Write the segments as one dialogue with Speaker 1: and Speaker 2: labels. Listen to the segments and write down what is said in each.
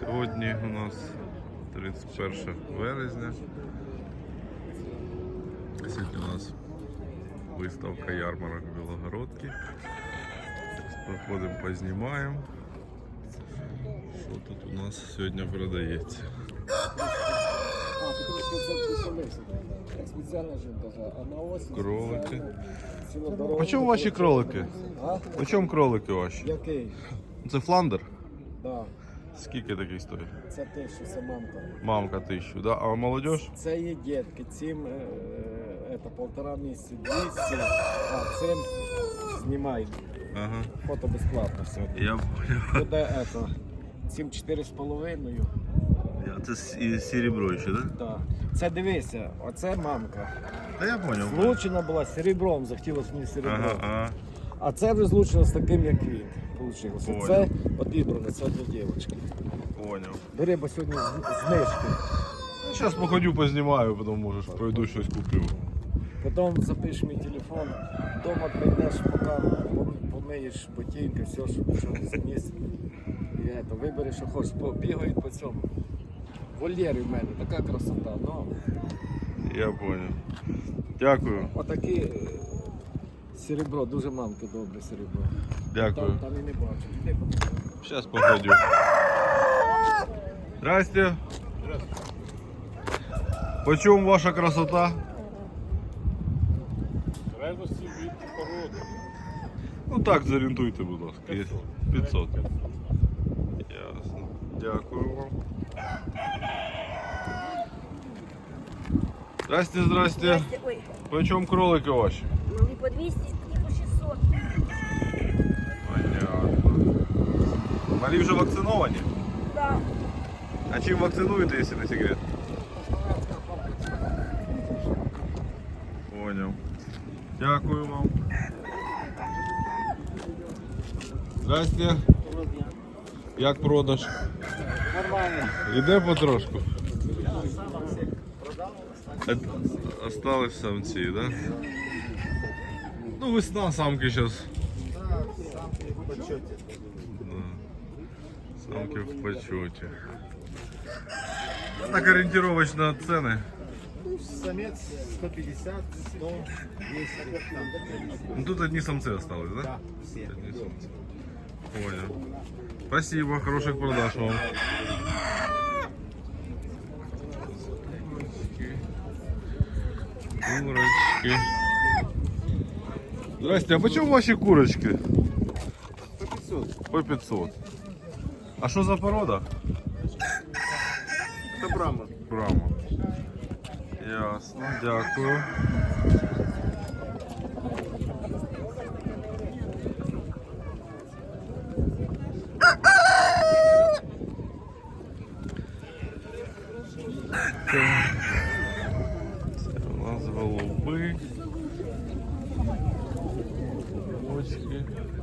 Speaker 1: Сьогодні у нас 31 березня. Сьогодні у нас виставка ярмарок в Білогородці. Зараз проходимо, познімаємо, що тут у нас сьогодні продається. Кролики. По чому ваші кролики? По чому кролики ваші?
Speaker 2: Який?
Speaker 1: Це фландер?
Speaker 2: Да.
Speaker 1: Скільки такий стоїть?
Speaker 2: Це 1000, це мамка.
Speaker 1: Мамка 1000, да? А молодіж?
Speaker 2: Це є дітки, цим полтора місяці, 200, а цим знімай.
Speaker 1: Ага.
Speaker 2: Фото безплатно сьогодні.
Speaker 1: Я понял.
Speaker 2: Буде цим 4,5.
Speaker 1: Це серебро ще, да?
Speaker 2: Да. Це дивися, оце мамка.
Speaker 1: Та я понял.
Speaker 2: Злучена була серебром, захотілося мені серебром.
Speaker 1: Ага, ага.
Speaker 2: А це вже злучено з таким, як він. Получилося.
Speaker 1: Понял.
Speaker 2: Це одібране, це для дівчинки.
Speaker 1: Понял.
Speaker 2: Бери, бо сьогодні знижки.
Speaker 1: Зараз походю, познімаю, потім можеш пройду щось куплю.
Speaker 2: Потім запишеш мій телефон, вдома прийдеш, поки помиєш ботинки, все, що заніс. І вибереш, що хочеш, бігають по цьому. Вольєри в мене, така красота. Ну,
Speaker 1: Я понял. Дякую.
Speaker 2: отакі серебро, дуже мамки добре серебро.
Speaker 1: Дякую.
Speaker 2: Там і не бачу. Іди,
Speaker 1: Сейчас походю. Здрасте. Почем ваша красота?
Speaker 3: Залежності від породи.
Speaker 1: Ну так, зорієнтуйте, будь ласка. Є 500. Ясно. Дякую вам. Здрасте, здрасте.
Speaker 4: Ой,
Speaker 1: Почем кролики ваші?
Speaker 4: мали по 200, не по 600.
Speaker 1: Понятно. Малі вже вакциновані?
Speaker 4: Да.
Speaker 1: А чим вакцинуєте, якщо не секрет? Понял. Дякую вам. Здрасте. Як продаж?
Speaker 2: Нормально.
Speaker 1: Іде потрошку? Остались самці, да? Ну, весна, самки зараз. Да. Самки в почете. Так ориентировочно цены.
Speaker 2: Самець 150, 100, 200.
Speaker 1: Ну, тут одни самцы осталось, да?
Speaker 2: Да, всі.
Speaker 1: Одни самцы. Понял. Спасибо, хороших продаж вам. Курочки. Здрасте, а почему ваши курочки?
Speaker 2: По 500.
Speaker 1: По 500. А что за порода?
Speaker 2: Це брама.
Speaker 1: Брама. Ясно, дякую. Це у нас голуби. Бочки.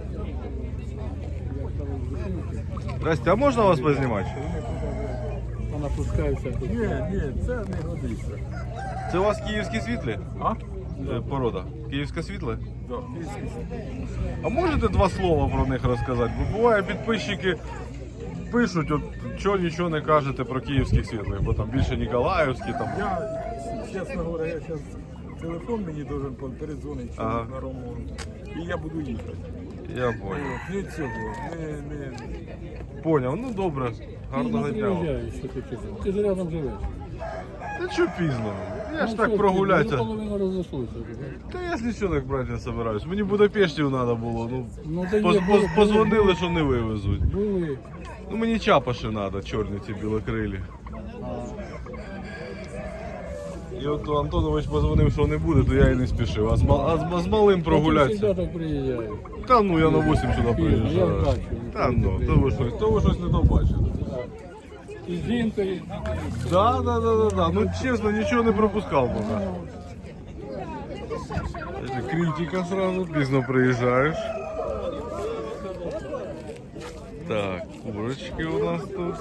Speaker 1: Здрасте, а можна вас познімати?
Speaker 3: Вона пускається. Ні, це не годиться.
Speaker 1: Це у вас київські світлі?
Speaker 3: А?
Speaker 1: Порода. Київська світле?
Speaker 3: Да.
Speaker 1: А можете два слова про них розказати? Бо буває підписчики пишуть, от чого нічого не кажете про київських світлих, бо там більше Ніколаївські там.
Speaker 3: Я, чесно говоря, я зараз телефон мені должен передзвонити
Speaker 1: Ага.
Speaker 3: на Рому. І я буду їхати.
Speaker 1: Я понял.
Speaker 3: Не цього, не...
Speaker 1: Поняв, ну добре. Гарного дня. вам.
Speaker 3: що ти казав. Ти ж рядом живеш.
Speaker 1: Та що пізно? Я ж так прогулятися.
Speaker 3: Половина розійшлося.
Speaker 1: Та я нічого так брати не собираюсь. Мені в Будапештів треба було. Ну,
Speaker 3: Ну, та є,
Speaker 1: позвонили, що не вивезуть.
Speaker 3: були.
Speaker 1: Ну мені чапаші треба, чорні ці білокрилі. І от Антонович позвонив, що не буде, то я і не спішив. А з малим
Speaker 3: Я
Speaker 1: прогулятися.
Speaker 3: завжди так приїжджаю.
Speaker 1: Та ну я на 8 сюди
Speaker 3: Я
Speaker 1: приїжджаю.
Speaker 3: бачу.
Speaker 1: Та ну, то ви щось не то бачите.
Speaker 3: І з жінкою.
Speaker 1: Да. Ну чесно, нічого не пропускав поки. Критика сразу, пізно приїжджаєш. Так, курочки у нас тут.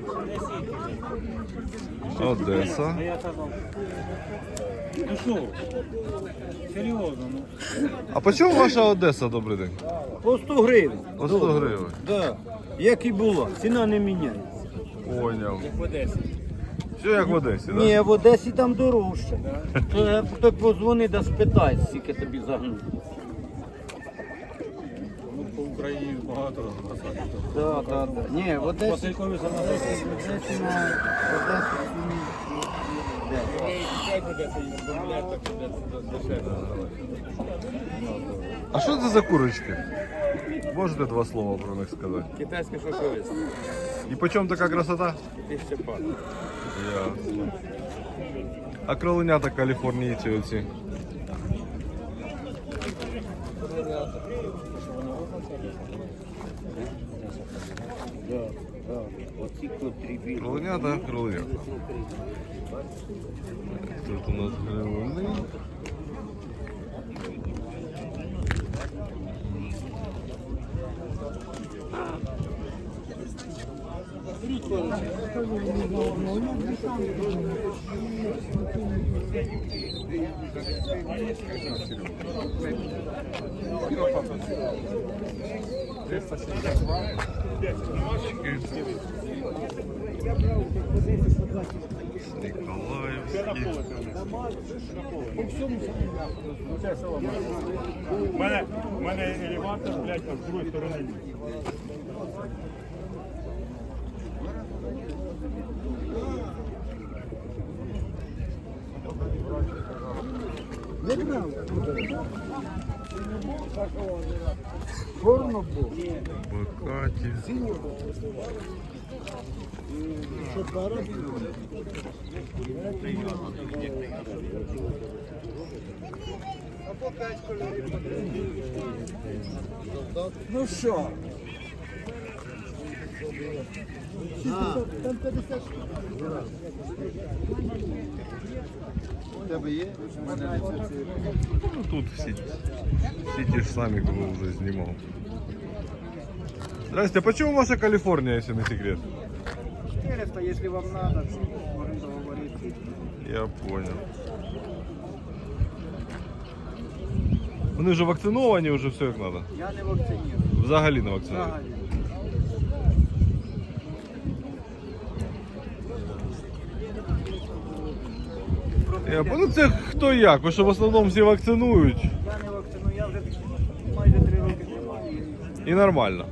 Speaker 1: Одеса.
Speaker 5: Ну що, серйозно, ну.
Speaker 1: А по чому ваша Одеса, добрий день?
Speaker 2: По 100 гривень.
Speaker 1: По 100 гривень.
Speaker 2: Да. Як і було, ціна не міняється.
Speaker 1: Поняв.
Speaker 5: Як в Одесі.
Speaker 1: Все як в Одесі, так?
Speaker 2: Ні, в Одесі там дорожче. То позвони да спитай, скільки тобі загнути.
Speaker 3: Ну, по Україні багато насадів.
Speaker 2: Так. Ні, в Одесі.
Speaker 5: Василькові саме
Speaker 2: В Одесі на Одесі.
Speaker 5: як в Одесі, бомблять, так в Одесі дешевше.
Speaker 1: А що це за курочки? Можете два слова про них сказати?
Speaker 5: Китайська шовковиця.
Speaker 1: І по чому така красота?
Speaker 5: 1000 пар.
Speaker 1: Ясно. А кроленята каліфорнійці оці?
Speaker 2: Оці котрі білі.
Speaker 1: Кроленята, кроленята. Тут у нас гривни.
Speaker 6: У мене елеватор, блядь, а з другої сторони ні.
Speaker 1: Бакаті.
Speaker 3: Ну що?
Speaker 1: Ну тут всі ті ж самі, кого вже знімав. Здрасте, а почему ваша Калифорния, если не секрет?
Speaker 2: 400, если вам надо, можно договориться.
Speaker 1: Я понял. Вони вже вакциновані, вже все як треба.
Speaker 2: Я не вакцинирую.
Speaker 1: Взагалі не вакциновані. Ну це хто як, бо що в основному всі вакцинують
Speaker 2: Я не вакциную, я вже майже 3 роки тримаю.
Speaker 1: і нормально.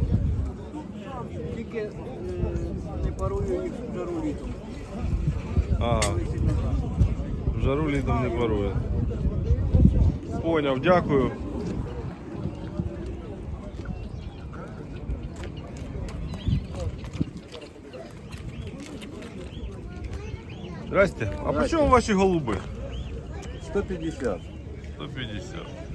Speaker 2: Тільки не парую їх в жару літом.
Speaker 1: Ага. В жару літом не парує. Поняв, дякую. Здрасте. А по чому ваші голуби?
Speaker 3: 150.
Speaker 1: 150.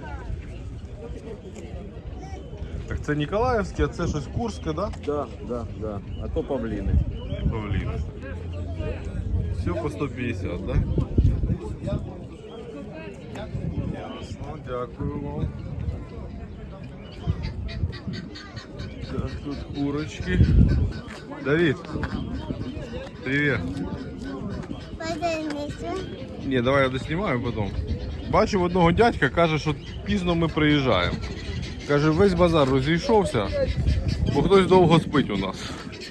Speaker 1: Так це Ніколаївське, а це щось Курське, да?
Speaker 3: Да. А то павліни.
Speaker 1: Павлін. Все по 150, да? Ясно, дякую вам. Так, тут курочки. Давид, привет. Ні, давай я доснімаю потім. Бачив одного дядька, каже, що пізно ми приїжджаємо. Каже, весь базар розійшовся, бо хтось довго спить у нас.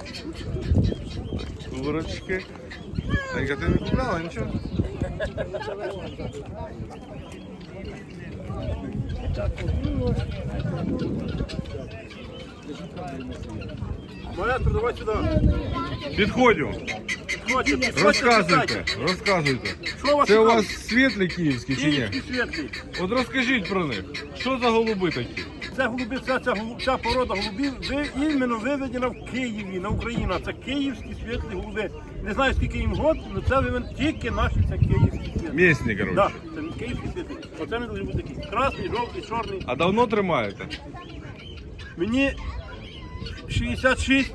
Speaker 1: Курочки. Танька, ти не купляла нічого?
Speaker 6: Маестро, давай сюди.
Speaker 1: Підходю. Розказуйте, розказуйте.
Speaker 6: Що у вас
Speaker 1: Це у
Speaker 6: цікаво?
Speaker 1: вас світлі київські чи ні?
Speaker 6: Київські світлі.
Speaker 1: От розкажіть про них. Що за голуби такі?
Speaker 6: Це голуби, ця порода голубів іменно виведена в Києві, на Україні. Це київські світлі голуби. Не знаю, скільки їм год, але це виведено тільки наші, це київські світлі.
Speaker 1: Місні, коротше.
Speaker 6: Так, це київські світлі. Оце не дуже бути такі. Красний, жовтий, чорний.
Speaker 1: А давно тримаєте?
Speaker 6: Мені 66,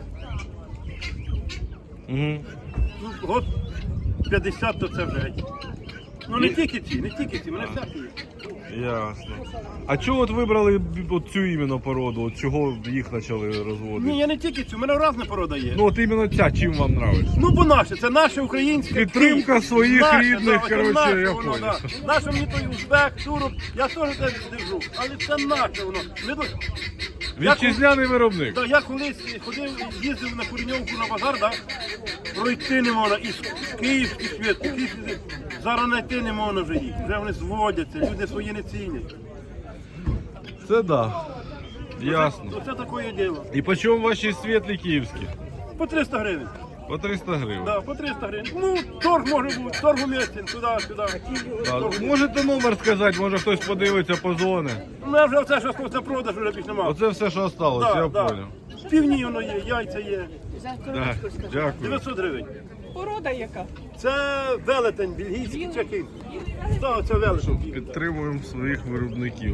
Speaker 1: Угу.
Speaker 6: ну, год 50, то це вже геть. Ну не тільки ці, мене всякі є.
Speaker 1: Ясно. А чого от вибрали от цю іменно породу? От чого їх почали розводити?
Speaker 6: Ні, я не тільки цю, у мене різна порода є.
Speaker 1: Ну от іменно ця, чим вам подобається?
Speaker 6: Ну, бо наше, це наше українське.
Speaker 1: Підтримка
Speaker 6: Київ.
Speaker 1: своїх
Speaker 6: Наше,
Speaker 1: рідних,
Speaker 6: оце
Speaker 1: коротше,
Speaker 6: наше
Speaker 1: я
Speaker 6: воно,
Speaker 1: понял.
Speaker 6: да. Наше мені той узбек, турок, я теж теж держу, але це наше воно. Ми
Speaker 1: Вітчизняний виробник.
Speaker 6: Да, я колись ходив, їздив на Куреньовку на базар, да? Пройти не можна. І київський світ, зараз знайти не можна вже їх. Вже вони зводяться, люди свої не цінять.
Speaker 1: Це да. Ясно.
Speaker 6: Оце таке діло.
Speaker 1: І по чому ваші світлі київські?
Speaker 6: По 300 гривень.
Speaker 1: По 300 гривень.
Speaker 6: Да, по 300 гривень. Ну, торг може бути, торг уместен, туди-сюди.
Speaker 1: Так, можете номер сказати, може хтось подивиться, позвони.
Speaker 6: У мене вже все, що на продаж, вже більш немає.
Speaker 1: Оце все, що осталось, я понял.
Speaker 6: Півні воно є, яйця є.
Speaker 1: Да, дякую.
Speaker 6: 900 гривень.
Speaker 7: Порода яка?
Speaker 6: Це велетень, бельгійський чекін. Так, це велетень.
Speaker 1: Підтримуємо своїх виробників.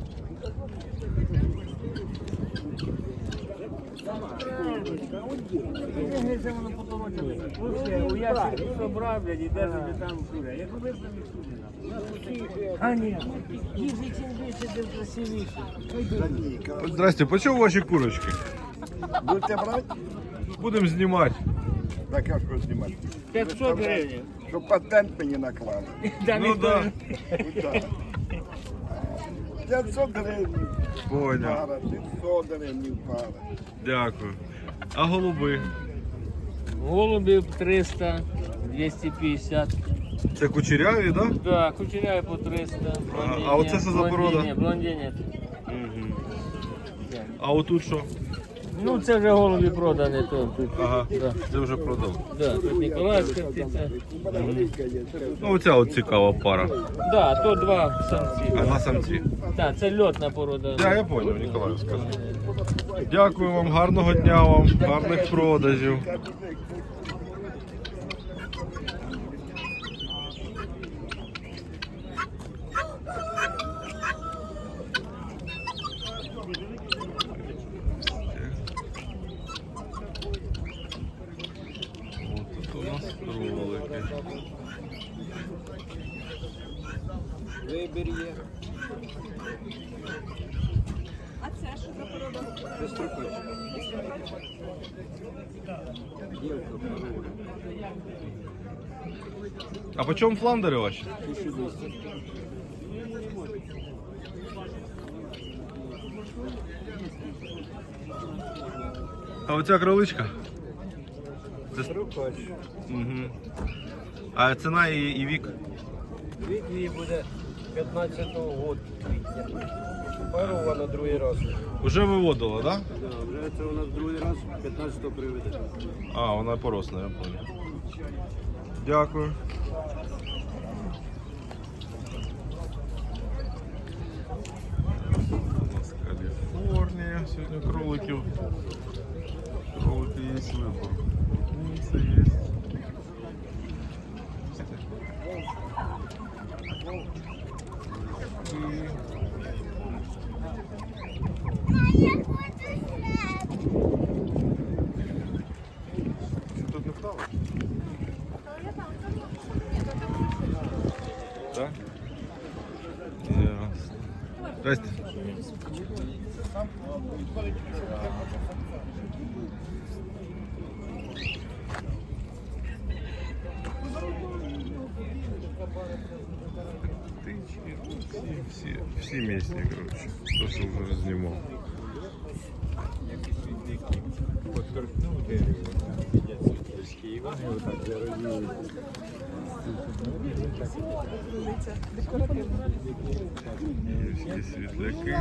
Speaker 1: Здрасте, по чому ваші курочки?
Speaker 8: Будете брати?
Speaker 1: Будемо знімати.
Speaker 8: Так як ви знімати?
Speaker 5: 500 гривень.
Speaker 8: Щоб патент мені наклали.
Speaker 1: Ну так,
Speaker 8: 500 гривень
Speaker 1: поняв.
Speaker 8: пара, 500 гривень пара.
Speaker 1: Дякую. А голуби?
Speaker 5: Голубів 300, 250.
Speaker 1: Це кучеряві, так? Да?
Speaker 5: Да, кучеряві по 300.
Speaker 1: А оце що за порода?
Speaker 5: Блондині.
Speaker 1: А отут що?
Speaker 5: Ну це вже голубі продані тут.
Speaker 1: Ага, це вже продав.
Speaker 5: Да, тут Ніколаївська птиця.
Speaker 1: Ну оця от цікава пара.
Speaker 5: Да, то два самці.
Speaker 1: Ага, самці.
Speaker 5: Так, це льотна порода.
Speaker 1: Так, я зрозумів, Ніколаївська. Дякую вам, гарного дня вам, гарних продажів. Ось тут у нас кролики.
Speaker 2: Вибір є.
Speaker 7: А це що за порода?
Speaker 2: Безстрокочка. Дівка порода.
Speaker 1: А по чому фландери ваші?
Speaker 2: 1200.
Speaker 1: А оця кроличка?
Speaker 2: Безстрокоч.
Speaker 1: Угу. А ціна і вік?
Speaker 2: Вік її буде 15-го року квітня. Парована другий раз.
Speaker 1: Уже виводила, так?
Speaker 2: Да, вже це у нас другий раз 15-го приведе.
Speaker 1: А, вона поросла, я понял. Дякую. У нас Каліфорнія. Сьогодні кроликів. Кролики є вибор. Це є. Що тут не вдало? Так? Ясно. Здрасте. Птички, всі місні, коротше. То, що вже знімав. Київські світляки.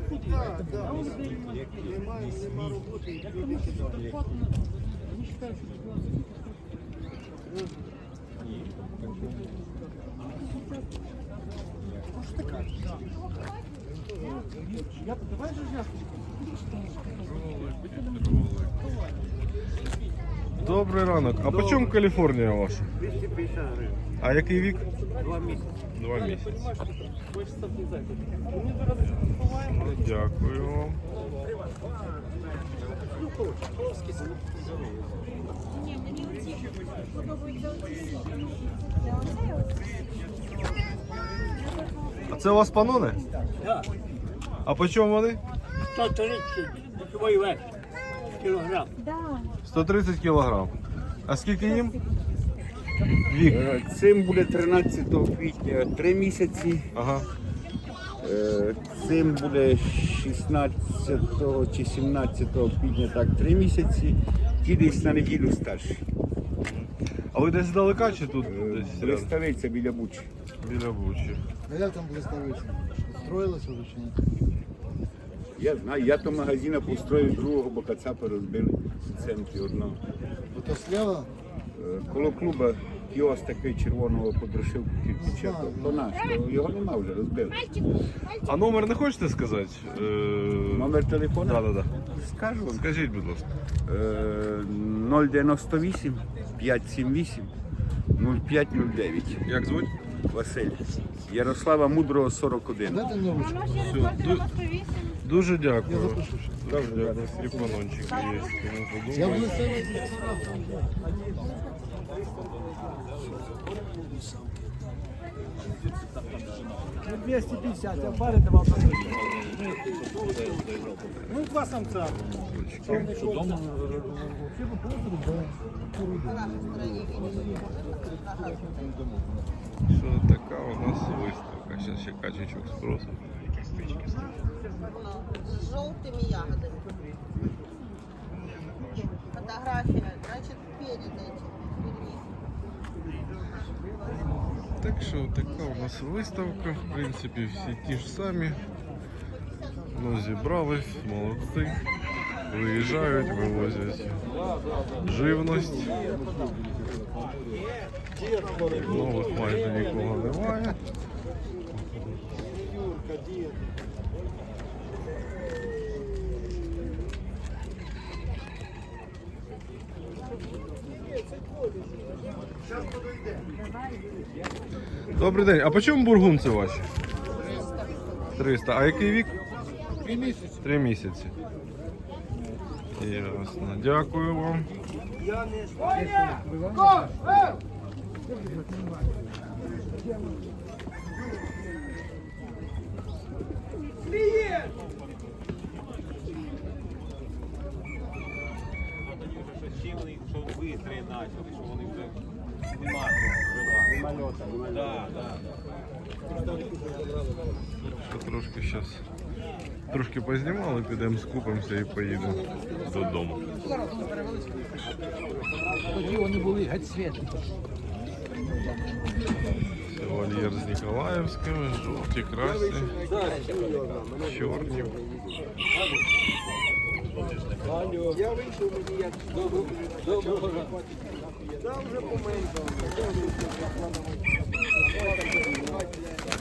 Speaker 1: Добрий ранок. А по чому Каліфорнія ваша?
Speaker 6: 250 гривень.
Speaker 1: А який вік?
Speaker 6: 2 місяці.
Speaker 1: 2 місяці. Дякую вам. А це у вас панони?
Speaker 6: Так.
Speaker 1: А по чому вони?
Speaker 6: 130 твій вес. Кілограм.
Speaker 1: 130 кілограм. А скільки їм? Вік.
Speaker 9: Цим буде 13 квітня 3 місяці,
Speaker 1: Ага.
Speaker 9: Цим буде 16 чи 17 квітня, так, 3 місяці, ті десь на неділю старші.
Speaker 1: А ви десь здалека чи тут десь
Speaker 9: Блиставиця біля Бучі.
Speaker 1: біля Бучі?
Speaker 10: А як там блиставиця? Строїлося вже чи ні?
Speaker 9: Я знаю, я то магазина построїв другого, бо кацапи розбили в центрі одного.
Speaker 10: Ото слева?
Speaker 9: Коло клуба кіоск такий червоного подрошивку кирпича, то наш, то його нема вже, розбили.
Speaker 1: А номер не хочете сказати?
Speaker 9: Номер телефону?
Speaker 1: Да.
Speaker 9: Скажу вам.
Speaker 1: Скажіть, будь ласка.
Speaker 9: 098 578 0509.
Speaker 1: Як звуть?
Speaker 9: Василь. Ярослава Мудрого, 41.
Speaker 10: Дайте мені ручку.
Speaker 1: Дуже дякую.
Speaker 10: Я запишу ще.
Speaker 1: Дуже дякую. Телефончик є. Кому
Speaker 10: Я
Speaker 1: подумає.
Speaker 10: блиставиця.
Speaker 2: Ну 250, а пари давав. Ну, два самця.
Speaker 1: Що така у нас виставка? Зараз ще качечок спросимо.
Speaker 11: С желтыми ягодами. Фотография, значит, перед этим.
Speaker 1: Так що така у нас виставка, в принципі, всі ті ж самі. Ну, зібрались, молодці. Виїжджають, вивозять живність. Нових майже нікого немає. Добрий день. А по чому бургунці ваші? 300. А який вік?
Speaker 10: 3 місяці.
Speaker 1: 3 місяці. Ясно. Дякую вам. Що трошки зараз трошки познімали, підемо скупимося і поїдемо додому.
Speaker 10: Тоді вони були геть світлі.
Speaker 1: Це вольєр з Ніколаївськими, жовті, красні, чорні.
Speaker 2: Я вийшов, мені як доброго. Там вже поменьше.